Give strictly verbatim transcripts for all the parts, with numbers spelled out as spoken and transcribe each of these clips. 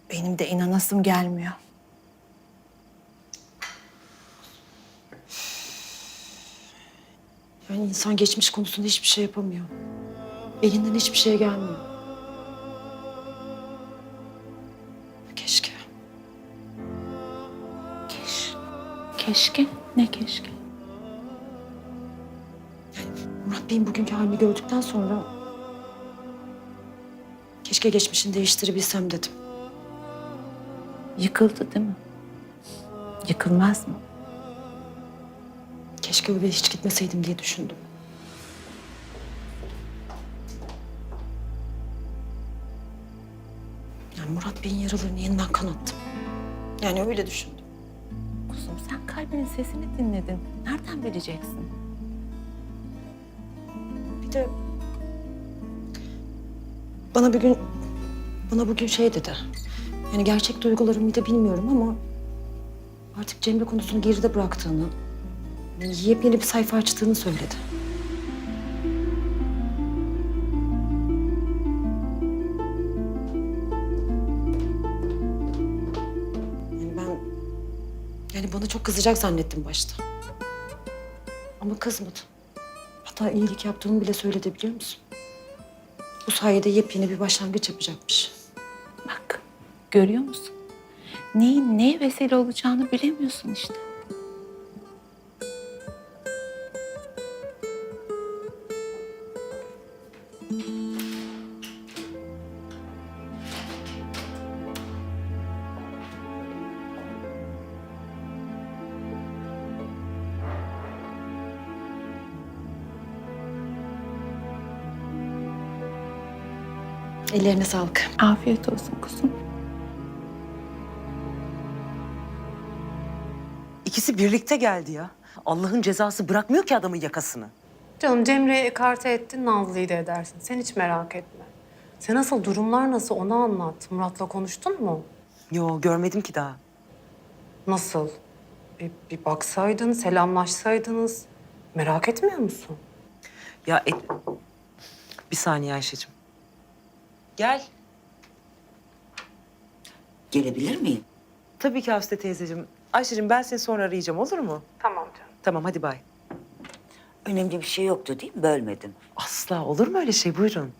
Benim de inanasım gelmiyor. Yani insan geçmiş konusunda hiçbir şey yapamıyor. Elinden hiçbir şey gelmiyor. Keşke. Keş, keşke, ne keşke? Murat Bey'in bugünkü halini gördükten sonra... keşke geçmişini değiştirebilsem dedim. Yıkıldı değil mi? Yıkılmaz mı? Keşke öyle hiç gitmeseydim diye düşündüm. Yani Murat Bey'in yaralarını yeniden kanattım. Yani öyle düşündüm. Kuzum sen kalbinin sesini dinledin. Nereden bileceksin? Bir de bana bir gün, bana bugün şey dedi. Yani gerçek duygularımı da bilmiyorum ama artık Cemre konusunu geride bıraktığını, yani yepyeni bir sayfa açtığını söyledi. Yani ben, yani bana çok kızacak zannettim başta. Ama kızmadı. Hatta iyilik yaptığımı bile söyledi biliyor musun? Bu sayede yepyeni bir başlangıç yapacakmış. Bak, görüyor musun? Neyin neye vesile olacağını bilemiyorsun işte. Ellerine sağlık. Afiyet olsun kuzum. İkisi birlikte geldi ya. Allah'ın cezası bırakmıyor ki adamın yakasını. Canım Cemre'yi ekarte ettin, Nazlı'yı da edersin. Sen hiç merak etme. Sen nasıl, durumlar nasıl onu anlat. Murat'la konuştun mu? Yo, görmedim ki daha. Nasıl? Bir, bir baksaydın, selamlaşsaydınız. Merak etmiyor musun? Ya et... Bir saniye Ayşe'cim. Gel. Gelebilir miyim? Tabii ki Hafsa teyzeciğim. Ayşe'cim ben seni sonra arayacağım olur mu? Tamam canım. Tamam hadi bay. Önemli bir şey yoktu değil mi? Bölmedim. Asla olur mu öyle şey? Buyurun.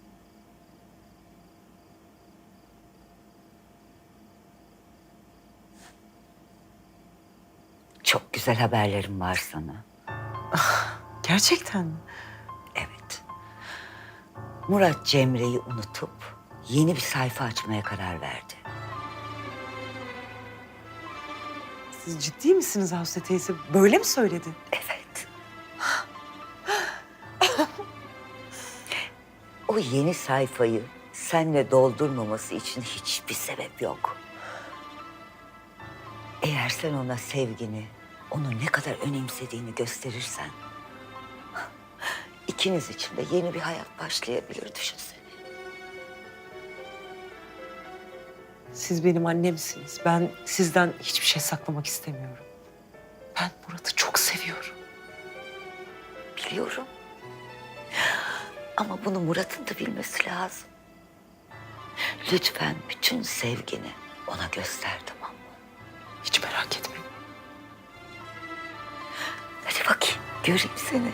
Çok güzel haberlerim var sana. Gerçekten mi? Evet. Murat Cemre'yi unutup yeni bir sayfa açmaya karar verdi. Siz ciddi misiniz Hafsa teyze? Böyle mi söyledi? Evet. O yeni sayfayı senle doldurmaması için hiçbir sebep yok. Eğer sen ona sevgini, onu ne kadar önemsediğini gösterirsen... ikiniz için de yeni bir hayat başlayabilir, düşünsene. Siz benim annemsiniz. Ben sizden hiçbir şey saklamak istemiyorum. Ben Murat'ı çok seviyorum. Biliyorum. Ama bunu Murat'ın da bilmesi lazım. Lütfen bütün sevgini ona göster, tamam mı? Hiç merak etmeyin. Hadi bakayım, göreyim seni.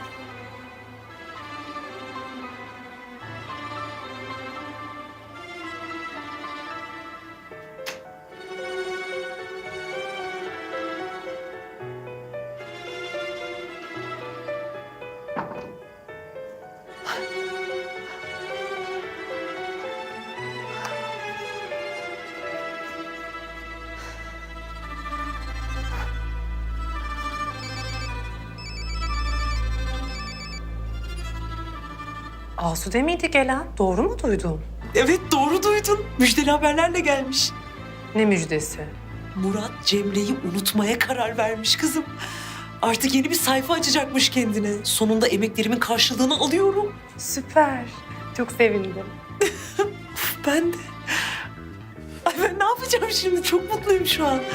Asude miydi gelen? Doğru mu duydum? Evet doğru duydun. Müjdeli haberlerle gelmiş. Ne müjdesi? Murat Cemre'yi unutmaya karar vermiş kızım. Artık yeni bir sayfa açacakmış kendine. Sonunda emeklerimin karşılığını alıyorum. Süper. Çok sevindim. Ben de. Ay ben ne yapacağım şimdi? Çok mutluyum şu an.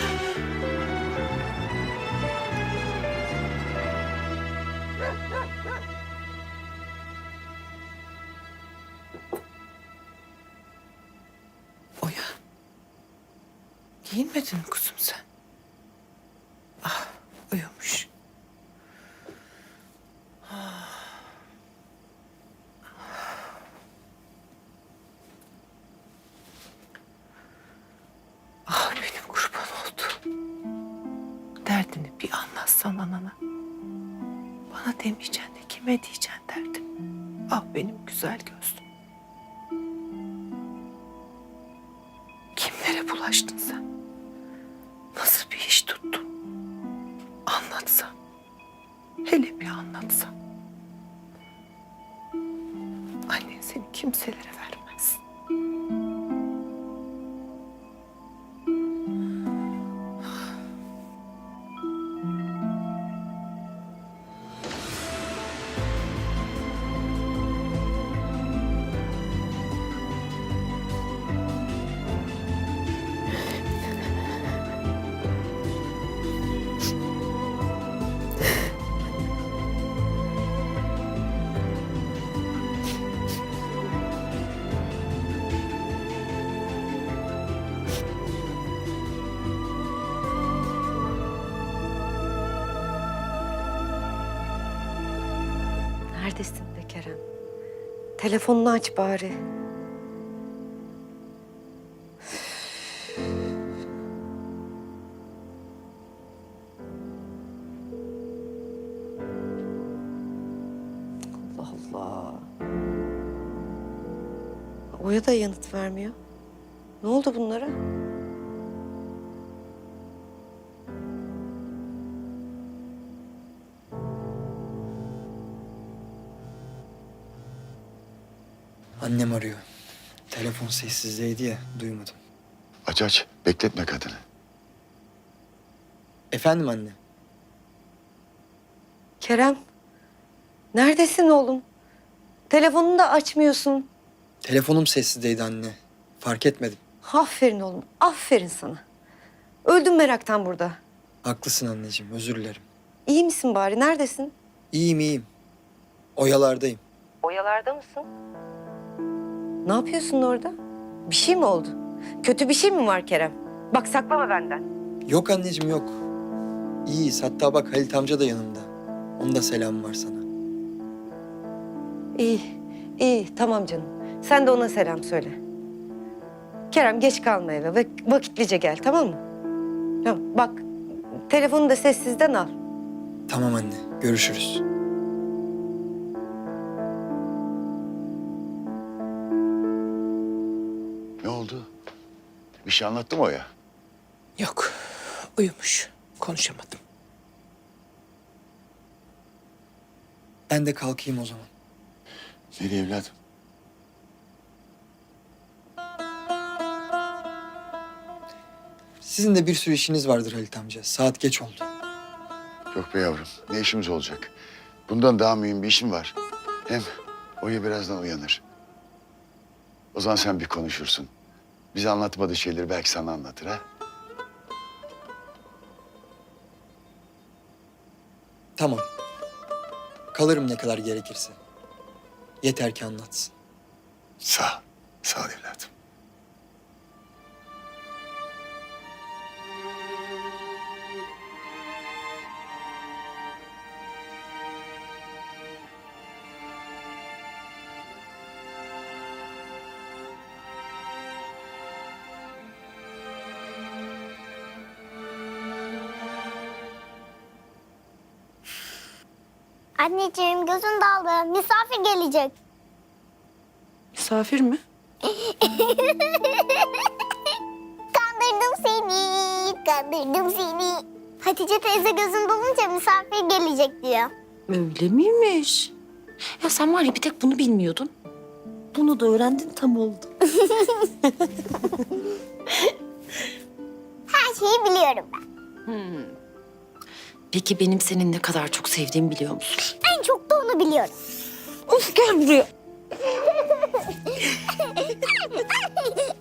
Oya. Giyinmedin mi kuzum sen? Ah, uyumuş. Ah benim kurban oldu. Derdini bir anlatsan anana. Bana demeyeceksin de kime diyeceksin derdim. Ah benim güzel gözlüm. Kimlere bulaştın sen? Nasıl bir iş tuttun? Anlatsan. Hele bir anlatsan. Annen seni kimselere vermez. Neredesin be Kerem? Telefonunu aç bari. Allah Allah. Oya da yanıt vermiyor. Ne oldu bunlara? Annem arıyor. Telefon sessizdeydi ya, duymadım. Aç aç. Bekletme kadını. Efendim anne? Kerem, neredesin oğlum? Telefonunu da açmıyorsun. Telefonum sessizdeydi anne. Fark etmedim. Aferin oğlum, aferin sana. Öldüm meraktan burada. Haklısın anneciğim, özür dilerim. İyi misin bari? Neredesin? İyiyim iyiyim. Oyalardayım. Oyalarda mısın? Ne yapıyorsun orada? Bir şey mi oldu? Kötü bir şey mi var Kerem? Bak saklama benden. Yok anneciğim yok. İyiyiz. Hatta bak Halit amca da yanımda. Onun da selamı var sana. İyi, iyi. Tamam canım. Sen de ona selam söyle. Kerem geç kalma eve ve vakitlice gel, tamam mı? Tamam, bak telefonu da sessizden al. Tamam anne, görüşürüz. Ne oldu? Bir şey anlattı mı o ya? Yok, uyumuş. Konuşamadım. Ben de kalkayım o zaman. Nereye evladım? Sizin de bir sürü işiniz vardır Halit amca. Saat geç oldu. Yok be yavrum. Ne işimiz olacak? Bundan daha mühim bir işim var. Hem Oya birazdan uyanır. O zaman sen bir konuşursun. Bize anlatmadığı şeyleri belki sana anlatır ha? Tamam. Kalırım ne kadar gerekirse. Yeter ki anlatsın. Sağ ol. Sağ ol evladım. Anneciğim gözün daldı. Misafir gelecek. Misafir mi? Kandırdım seni, kandırdım seni. Hatice teyze gözün dolunca misafir gelecek diyor. Öyle miymiş? Ya sen var ya bir tek bunu bilmiyordun. Bunu da öğrendin tam oldu. Her şeyi biliyorum ben. Peki benim seni ne kadar çok sevdiğimi biliyor musun? En çok da onu biliyorum. Of gel buraya.